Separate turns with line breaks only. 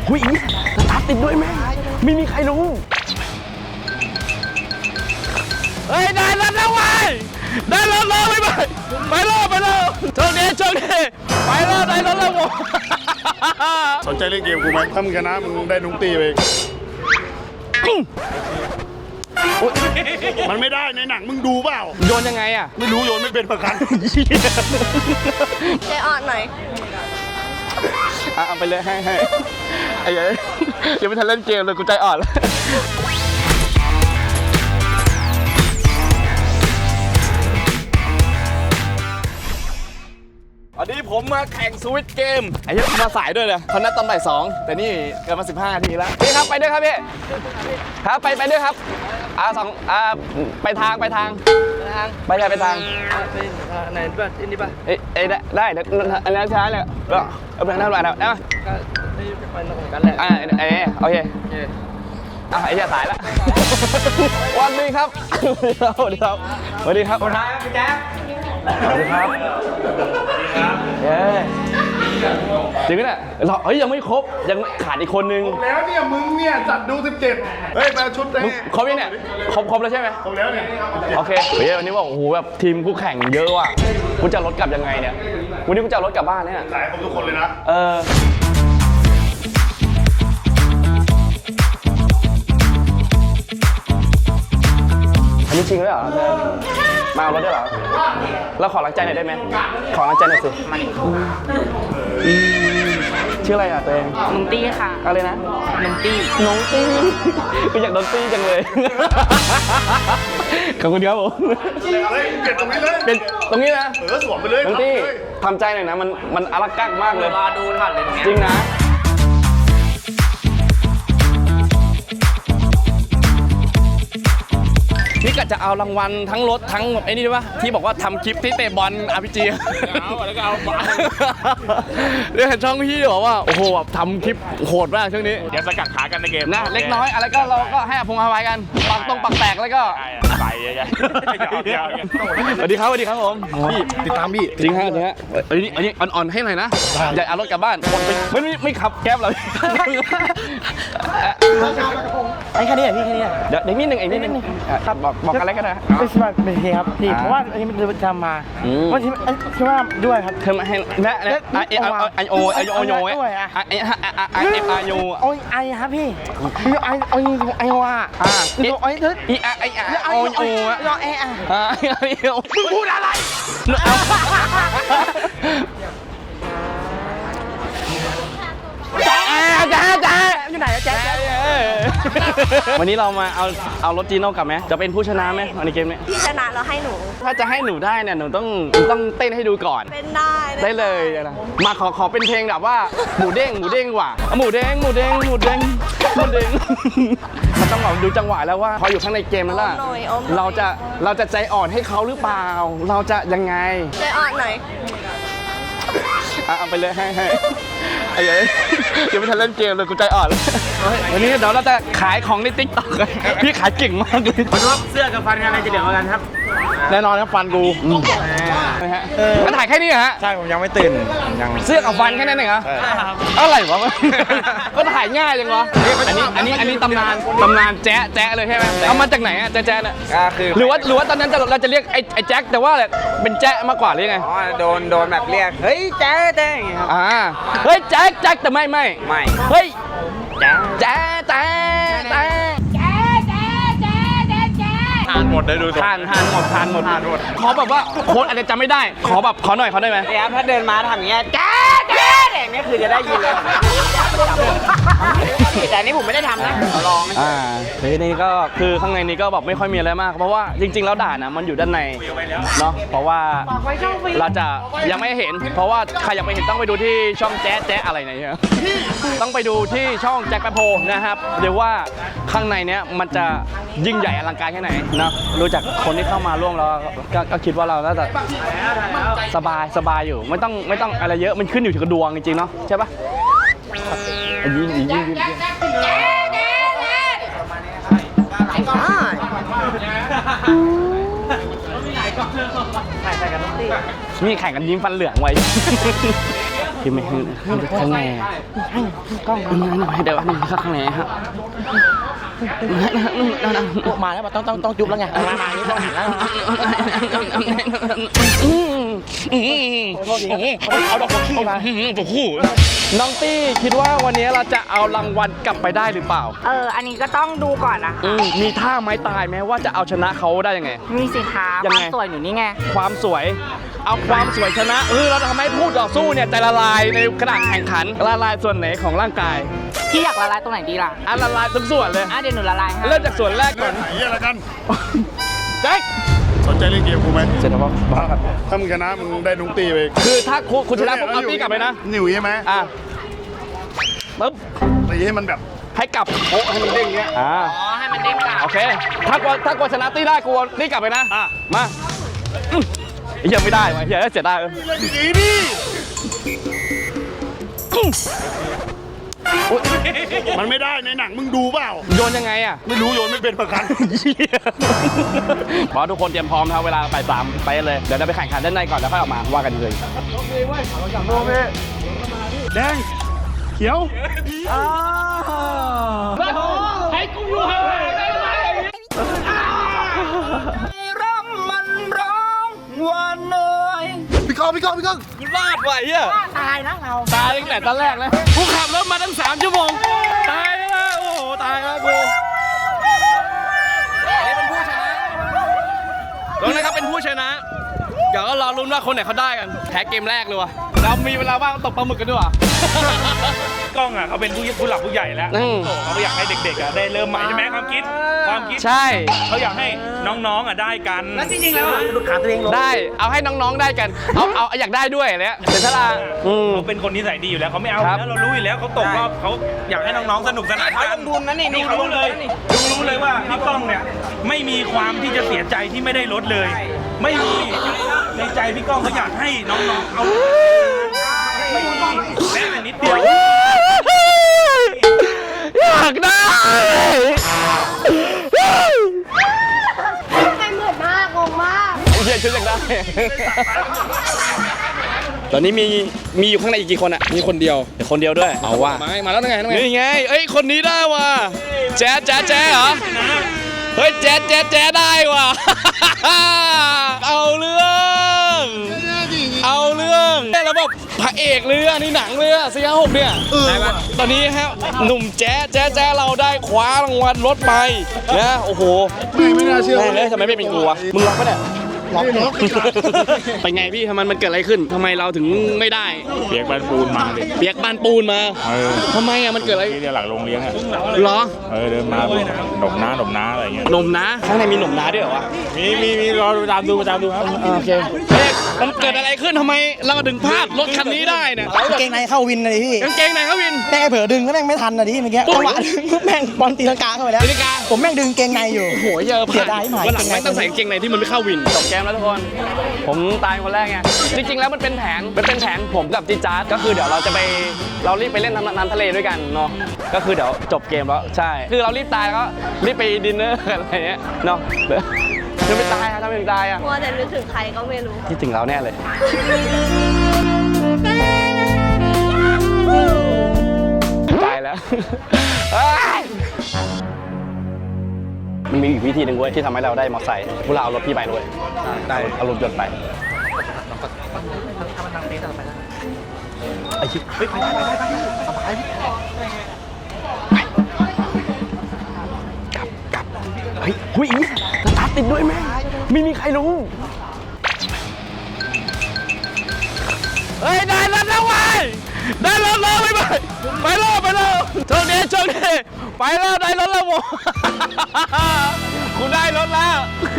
หุ้ยสตาร์ทติดด้วยแม่ไม่มีใครรู้เฮ้ยได้รถแล้วเว้ยได้รถแล้วไปเลยโชคดีไปแล้วได้รถแล้วผม
สนใจเล่นเกมกูไหมถ้ามึงชนะมึงได้นุ้งตีไปมันไม่ได้ในหนังมึงดูเปล่า
โยนยังไงอ่ะ
ไม่รู้โยนไม่เป็นประกัน
ใจอ่อนหน่อย
เอาไปเลยให้ไอ้ยัยยังไม่ทันเล่นเกมเลยกูใจอ่อนแล้วอันนี้ผมมาแข่งสวิตเกมไอ้ยัยมาสายด้วยเลยเขานัดตอนบ่าย2แต่นี่เกินมา15 นาทีแล้วพี่ครับไปด้วยครับพี่ครับไปด้วยครับไปทางไปทางไหนแบบอันนี้ป่ะได้เดี๋ยวอันนี้ช้าเลยก็เอาไปทางไหนแล้วนะก็ไปนอกกันแหละโอเคไอ้เหี้ยสายแล้ววันนี้ครับสวัสดีครับคนท้ายครับพี่แจ๊คสวัสดีครับจริงไหมเนี่ยเรายังไม่ครบยังขาดอีกคนนึง
แล้วเนี่ยมึงเนี่ยจัดดู17เฮ้ยมาชุดได้
ครบยังเนี่ยครบแล้วใช่ไหม
ครบแล้วเนี่ย
โอเคเฮ้ยวันนี้ว่าโอ้โหแบบทีมคู่แข่งเยอะว่ะกูจะรถกลับยังไงเนี่ยวันนี้กูจะรถกลับบ้านเนี่ย
หลายคนทุกคนเลยนะ
อันนี้จริงด้วยเหรอมาเอารถได้เหรอเราขอรังใจหน่อยได้ไหมขอรังใจหน่อยสิชื่ออะไรอ่ะตัวเอง
น้องตี้ค่ะ
อะไรนะ
น้องตี้
กูอยากโดนตี้จังเลยขอบคุณครับผม
เปลี่ยนตรงนี้เลย
เป็นตรงนี้นะ
สวมไปเลย
น้องตี้ทำใจหน่อยนะมันอลักกักมากเลย
รอดูถ่านเลยตรงนี้
จริงนะนี่กะจะเอารางวัลทั้งรถทั้งไอ้นี่ด้วยปะที่บอกว่าทำคลิปที่เตะบอล RPG แล้วก็เอาบอลเนี่ยเห็นช่องพี่บอกว่าโอ้โหแบบทำคลิปโหดมากช่วงนี้
เดี๋ยวสกัดขากันในเกม
นะเล็กน้อยอะไรก็เราก็ให้อภัยกันปักแตกแล้วก็
ใส่ใหญ่
สวัสดีครับผม
พี่ติดตามพี่
จริงฮะอันนี้อ่อนให้หน่อยนะอย่าเอารถกลับบ้านไม่ขับแก๊ปเลย
ไอ้แค่นี้พี่แค่นี้
เดี๋ยวนิดนึงครับบอกอะไรก็ได้
ไม่ใช่เป็นเพลงครับพี่เพราะว่าอันนี้มันทำมาวันที่คิดว่าด้วยครับ
เธอมาให้แม่ไอโอด้วย
โอ้ยไอครับพี่ไอว่าไอเธอ
โอ
พูดอะไรจ้าอยู่ไหนจ้า
วันนี้เรามาเอารถจีโน่กลับไหมจะเป็นผู้ชนะไหมในเกมนี้
พี่ชนะแล้วให้หนู
ถ้าจะให้หนูได้เนี่ยหนูต้องเต้นให้ดูก่อน
เป็น
ได้เลยนะมาขอเป็นเพลงแบบว่าหมูเด้งว่ะหมูเด้งมันต้องแบบดูจังหวะแล้วว่าพออยู่ข้างในเกมนั้นล่ะเราจะใจอ่อนให้เขาหรือเปล่าเราจะยังไง
ใจอ่อนหน่อย
เอาไปเลยให้ไอ้ยัยยังไม่ทันเล่นเกมเลยกูใจอ่อนวันนี้เดี๋ยวเราจะขายของใน TikTok พี่ขายเก่งมากเลย
ผมว่าเสื้อกับฟันอะไรจะเดือดกันครับ
แน่นอนครับฟันกูมันถ่ายแค่นี้ฮะ
ใช่ผมยังไม่ตื่น
ยังเสื้อกับฟันแค่นั้นเองเหรออะไรวะก็ถ่ายง่ายจังวะอันนี้ตำนานแจ๊ะเลยใช่ไหมเอามาจากไหนอะแจ๊ะเนี่ยหรือว่าตอนนั้นเราจะเรียกไอ้แจ๊คแต่ว่าเป็นแจ๊ะมากกว่าหรือไง
อ๋อโดนแบบเรียกเฮ้ยแจ๊ะอย่างเงี้ยครับ
เฮ้ยแจ๊คแต่ไม่เฮ้ยแจ๊
ทานหมดได้ดู
ทานหมดขอแบบว่าโค้ดอาจจะจำไม่ได้ขอหน่อยได้ไหม
ครับถ้าเดินมาทำอย่างเงี้ยแจ๊อย่างนี้คือจะได้ยินเลยแต่นี้ผมไม่ได้ทำนะลอง
นี่ก็คือข้างในนี้ก็แบบไม่ค่อยมีอะไรมากเพราะว่าจริงๆแล้วด่านนะมันอยู่ด้านในเนาะเพราะว่าเราจะยังไม่เห็นเพราะว่าใครอยากไปเห็นต้องไปดูที่ช่องแจ๊ะอะไรเนี่ยต้องไปดูที่ช่องแจ็คแปโพนะครับเดี๋ยวว่าข้างในเนี้ยมันจะยิ่งใหญ่อลังการแค่ไหนนะรู้จักคนที่เข้ามาร่วมเราก็คิดว่าเราน่าจะสบายอยู่ไม่ต้องอะไรเยอะมันขึ้นอยู่ที่ดวงจริงๆเนาะใช่ปะยิงนี่แข่งกันยิ้มฟันเหลืองไว้พี่ไม่ให้ข้างในกล้องเดี๋ยวนึงข้างในฮะ
มาแล้วต้องจุ๊บแล้วไงมานี่ต้องหันแล้วเอาดอกบัวขี้มา
น้องตี้คิดว่าวันนี้เราจะเอารางวัลกลับไปได้หรือเปล่า
อันนี้ก็ต้องดูก่อนนะ
มีท่าไม้ตายไหมว่าจะเอาชนะเขาได้ยังไง
มีสิคะ
ยัง
ค
ไง
วามสวยหนูนี่ไง
ความสวย เอาความสวยชนะเราทำให้พูดต่อสู้เนี่ยใจละลายในขณะแข่งขันละลายส่วนไหนของร่างกาย
พี่อยากละลายตรงไหนดีล่ะ
ละลายทุกส่วนเลย
เดี๋ยวหนูละลายให้
เริ่มจากส่วนแรกก่อน
ไหนอะไรกัน
แจ็ค
สนใจเล่นเกมกูไหม
เสร็จแล้วป่ะ
ถ้ามึงชนะมึงได้นุ้งตีไป
คือถ้าคุณชนะปุ๊บเอาตี้กลับไปนะ
หนิวใช่ไหม
ปึ๊บ
ตีให้มันแบบ
ให้กลับโอ้ให้มันเด้งเงี้ย
ให้มันเด้งกลับ
โอเคถ้ากลัวชนะตี้ได้กลัวตี้กลับไปนะมายังไม่ได้วะเฮียเสียดาย
ดีดิ มันไม่ได้ในหนังมึงดูเปล่า
โยนยังไงอ่ะ
ไม่รู้โยนไม่เป็นประกัน
บอสทุกคนเตรียมพร้อมครับเวลาไป3ไปเลยเดี๋ยวเราไปแข่งขันด้านในก่อนแล้วค่อยออกมาว่ากันเลย
แดง เขียว
ให้กูอยู่ห่างๆได้ไหมร่มมันร้องวันเหนื่อย
พี่ก้อง
กูลาดไหวอ่ะ
ตายนะเรา
ตายตั้งแต่ตอนแรกเลยกูขับรถมาตั้ง3 ชั่วโมงตายแล้วโอ้โหตายแล้วกูนี่เป็นผู้ชนะตรงนี้ครับเป็นผู้ชนะเดี๋ยวก็รอลุ้นว่าคนไหนเขาได้กันแพ้เกมแรกเลยวะเรามีเวลาว่างตกปลาหมึกกันด้วยวะ
กล้องอ่ะเขาเป็นผู้หลักผู้ใหญ่แล้วเขาอยากให้เด็กๆอ่ะได้เริ่มใหม่ใช่ไหมความคิด
ใช่
เขาอยากให้น้องๆอ่ะได้กัน
แล้วจริงๆแล้วดูขาตัวเองลง
ได้เอาให้น้องๆได้กันเอาอยากได้ด้วยเนี่ยเสียสละ
เขาเป็นคนนิสัยดีอยู่แล้วเขาไม่เอา
ครับ
แล้วเรารู้อยู่แล้วเขาตกรอบเขาอยากให้น้องๆสนุกสนานกัน
บุญนะนี่
ดูรู้เลยว่าพี่ก้องเนี่ยไม่มีความที่จะเสียใจที่ไม่ได้ลดเลย ไม่มีในใจพี่ก้องเขาอยากให้น้องๆเอาไม่มีแม้แต่นิดเดียว
อยากได้
ใครเหมือนมากงงมาก
เฮียชุดอยากได้ ตอนนี้มีอยู่ข้างในอีกกี่คนอ่ะมีคนเดียวเดี๋ยวคนเดียวด้วยเอาว่ามาแล้วไงนี่ไงเอ้ยคนนี้ได้ว่ะแจ๊เหรอเฮ้ยแจ๊ได้ว่ะ เอาเรื่องแล้วแบบพระเอกเรือนี่หนังเรือ456เนี่ยได้ปะตอนนี้ฮะหนุ่มแจ๊เราได้คว้ารางวัลรถไปนะโอ้โห
ไม่น่าเชื่อ
ทำไมไม่เป็นกูวะมึงล็อกปะเนี่ยล็อกเป็นไงพี่ทำไมมันเกิดอะไรขึ้นทำไมเราถึงไม่ได้
เปียกบานปูนมาดิ
เปียกบานปูนมาทำไมอ่ะมันเกิดอะไร
ที่เรียกหลักโรงเลี้ยงอ่ะ
เหรอ
เดินมาหนมน้าอะไรเงี้ย
หนมนะข้างในมีหนมนะด้วยเหรอวะ
มีรอตามดูครับ
โอเคเฮ้ยมันเกิดอะไรขึ้นทำไมเราถึงพลาดรถคันนี้ได้เนี่ย
กางเกงในเข้าวินเลยพี่
กางเกงไหนครับวิน
แม่งเผลอดึงแล้วแม่งไม่ทันนะดิเมื่อกี้จังหวะดึงแม่งบอลตีลังกาเข้าไปแล้ว
ตีลังกา
ผมแม่งดึงเกงในอยู่
โอ้โหเยอะ
เสียดายหน่อย
วันหลังไม่ต้องใส่กางเกงในที่มันไม่เข้าวินจบเกมแล้วทุกคนผมตายคนแรกไงจริงๆแล้วมันเป็นแผนผมกับจีจ๊าดก็คือเดี๋ยวเรารีบไปเล่นน้ำทะเลด้วยกันเนาะก็คือเดี๋ยวจบเกมแล้วใช่คือเรารีบตายแล้วก็รีบไปดินเนอร์อะไรเงี้ยเนาะคือไม่ตายครับถ้าไม่ตายอ่ะ
มัวแต่นึกถึงใครก็ไม่รู้
คิดถึงเราแน่เลยตายแล้ว มันมีอีกวิธีหนึ่งเว้ยที่ทำให้เราได้มอเตอร์ไซค์พวกเราเอารถพี่ไปด้วยได้เอารถยนต์ไปไอ้ชิบเฮ้ยไปสบายกลับเฮ้ยหุ้ยสตาร์ทติดด้วยแม่ไม่มีใครรู้เฮ้ยได้รถแล้วเว้ยได้รถแล้วไปแล้วโชคดีไปแล้วได้รถแล้วโว้คุณได้รถแล้ว